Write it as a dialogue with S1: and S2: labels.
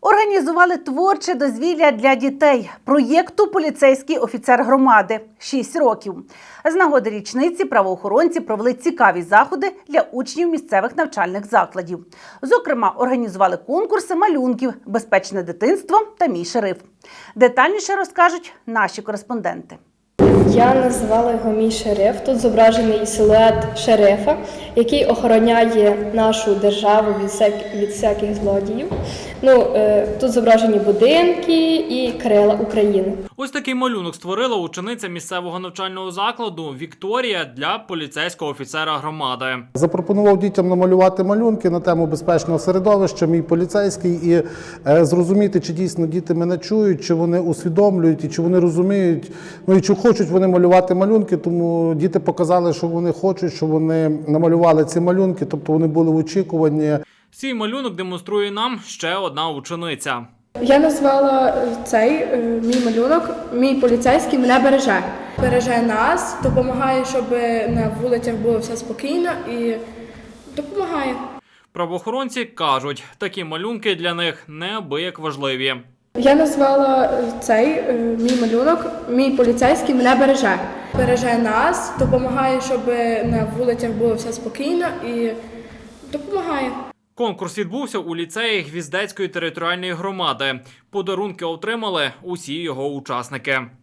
S1: Організували творче дозвілля для дітей проєкту «Поліцейський офіцер громади» 6 років. З нагоди річниці правоохоронці провели цікаві заходи для учнів місцевих навчальних закладів. Зокрема, організували конкурси малюнків «Безпечне дитинство» та «Мій шериф». Детальніше розкажуть наші кореспонденти.
S2: Я назвала його «Мій шериф». Тут зображений силует шерифа, який охороняє нашу державу від всяких злодіїв. Тут зображені будинки і крила України.
S3: Ось такий малюнок створила учениця місцевого навчального закладу Вікторія для поліцейського офіцера громади.
S4: Запропонував дітям намалювати малюнки на тему безпечного середовища, мій поліцейський, і зрозуміти, чи дійсно діти мене чують, чи вони усвідомлюють, і чи вони розуміють, і чи хочуть вони малювати малюнки. Тому діти показали, що вони хочуть, що вони намалювали ці малюнки, тобто вони були в очікуванні.
S3: Свій малюнок демонструє нам ще одна учениця.
S2: Я назвала цей мій малюнок «Мій поліцейський мене береже». Береже нас, допомагає, щоб на вулицях було все спокійно і допомагає.
S3: Правоохоронці кажуть, такі малюнки для них неабияк важливі.
S2: Я назвала цей мій малюнок «Мій поліцейський мене береже». Береже нас, допомагає, щоб на вулицях було все спокійно і допомагає.
S3: Конкурс відбувся у ліцеї Гвіздецької територіальної громади. Подарунки отримали усі його учасники.